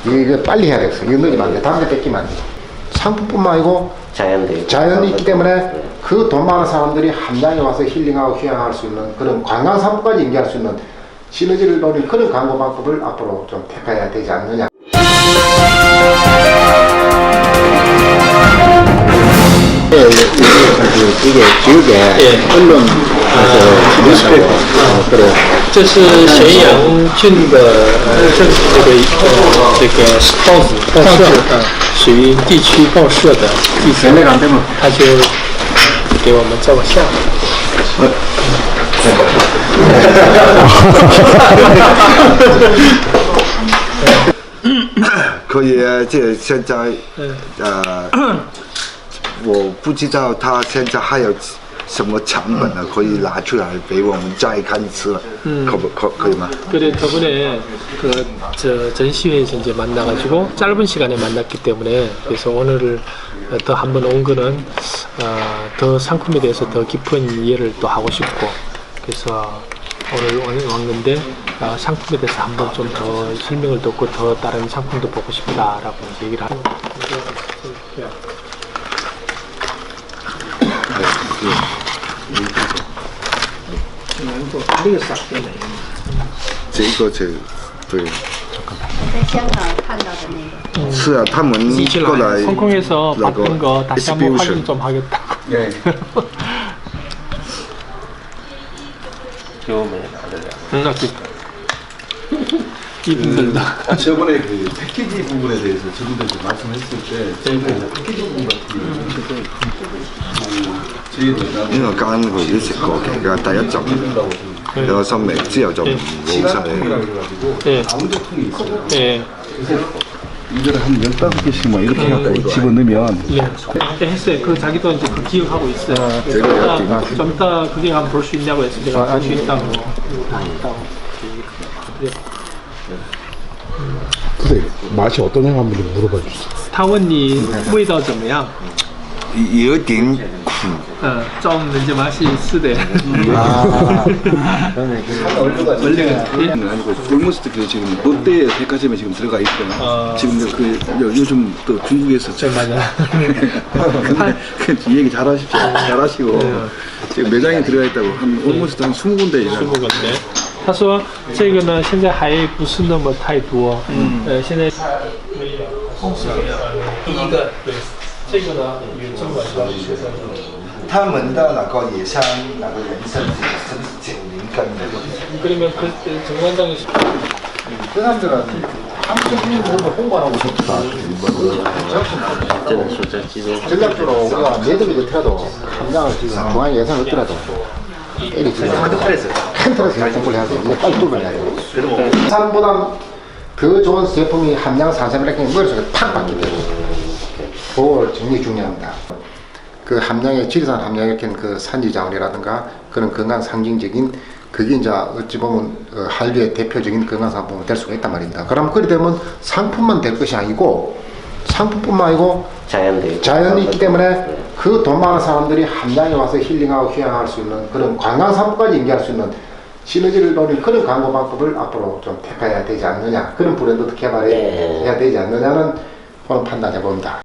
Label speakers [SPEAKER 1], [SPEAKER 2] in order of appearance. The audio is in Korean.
[SPEAKER 1] 이게 빨리 해야 되겠어. 이거 넣으면 안 돼. 담배 뺏기면 안 돼. 상품뿐만 아니고 자연이 있기 때문에 그 돈 많은 사람들이 함양에 와서 힐링하고 휴양할 수 있는 그런 관광 상품까지 인계할 수 있는 시너지를 노린 그런 광고 방법을 앞으로 좀 택해야 되지 않느냐. 이게 지역에 언론 뉴스페이퍼 그래.
[SPEAKER 2] 这是咸阳郡的这个报社，属于地区报社的记者，他就给我们照个相。
[SPEAKER 3] 可以，这现在我不知道他现在还有什么成本呢？可以拿出来给我们再看一次，可以吗？
[SPEAKER 2] 그래 저번에 전시회에서 이제 만나가지고 짧은 시간에 만났기 때문에 그래서 오늘을 더 한번 온 거는 더 상품에 대해서 더 깊은 이해를 또 하고 싶고 그래서 오늘 왔는데 상품에 대해서 한번 좀 더 설명을 듣고 더 다른 상품도 보고 싶다라고 얘기를 하는 거예요.
[SPEAKER 3] 这个对。
[SPEAKER 4] 在香港看到的那个。
[SPEAKER 3] 是啊，他们过来
[SPEAKER 2] 홍콩에서 봤던 거 다시 한번 확인 좀 하겠다고.
[SPEAKER 3] 네.
[SPEAKER 2] 힘들다.
[SPEAKER 5] 저번에 그 패키지 부분에 대해서 저분들 말씀했을 때 패키지 부분 같은 경우는 저희들
[SPEAKER 3] 因為我間佢都食過嘅，第一集有個心味，之後就冇晒。
[SPEAKER 2] 예.
[SPEAKER 5] 강조통이 있어요.
[SPEAKER 2] 예.
[SPEAKER 5] 이거를 한 15개씩만 이렇게 해갖고 집어넣으면
[SPEAKER 2] 예. 했어요. 그 자기도 이제 그 기억하고 있어요. 좀 이따 그게 한번 볼 수 있냐고 해서 내가 볼 수 있다고.
[SPEAKER 6] 선생님 맛이 어떠냐고 한번 좀 물어봐 주세요.
[SPEAKER 2] 他问你味道怎么样？
[SPEAKER 3] 有點苦。
[SPEAKER 2] 좀 이제 맛이 있으대.
[SPEAKER 5] 원래는 아니고 올머스트 그 지금 롯데 백화점에 지금 들어가 있거든요. 지금 그 요즘 또 중국에서
[SPEAKER 2] 맞아.
[SPEAKER 5] 이 얘기 잘하시고 지금 매장에 들어가 있다고 한 올머스트 한 20군데 이상.
[SPEAKER 2] 20건데. 他说这个呢现在还不是那么太多，现在第一个对，这个呢有这么多学生。
[SPEAKER 3] 他们的那个野生那个人参是90根的。
[SPEAKER 2] 그러면 그 정관장이
[SPEAKER 1] 그 사람들은 한국인으로 홍보하고 싶다. 전략적으로 우리가 매듭이 넣더라도 함양을 지금 중앙에 예산을 얻더라도 애리 지금 캔틀에서 공부를 해야 돼. 이제 빨리 뚫어야 돼. 산보다 더 좋은 제품이 함양 산삼이라는 게 머릿속에 팍 박히게 되고 그걸 정리 중요합니다. 그 함양의 지리산 함양에 이렇게 그 산지 자원이라든가 그런 건강 상징적인 그게 이제 어찌 보면 한류의 대표적인 건강 상품이 될 수가 있단 말입니다. 그럼 그리 되면 상품만 될 것이 아니고 상품뿐만 아니고 자연이 있기 때문에 그 돈 많은 사람들이 함양에 와서 힐링하고 휴양할 수 있는 그런 관광 상품까지 인계할 수 있는 시너지를 노린 그런 광고 방법을 앞으로 좀 택해야 되지 않느냐, 그런 브랜드도 개발해야 되지 않느냐는 그런 판단해 봅니다.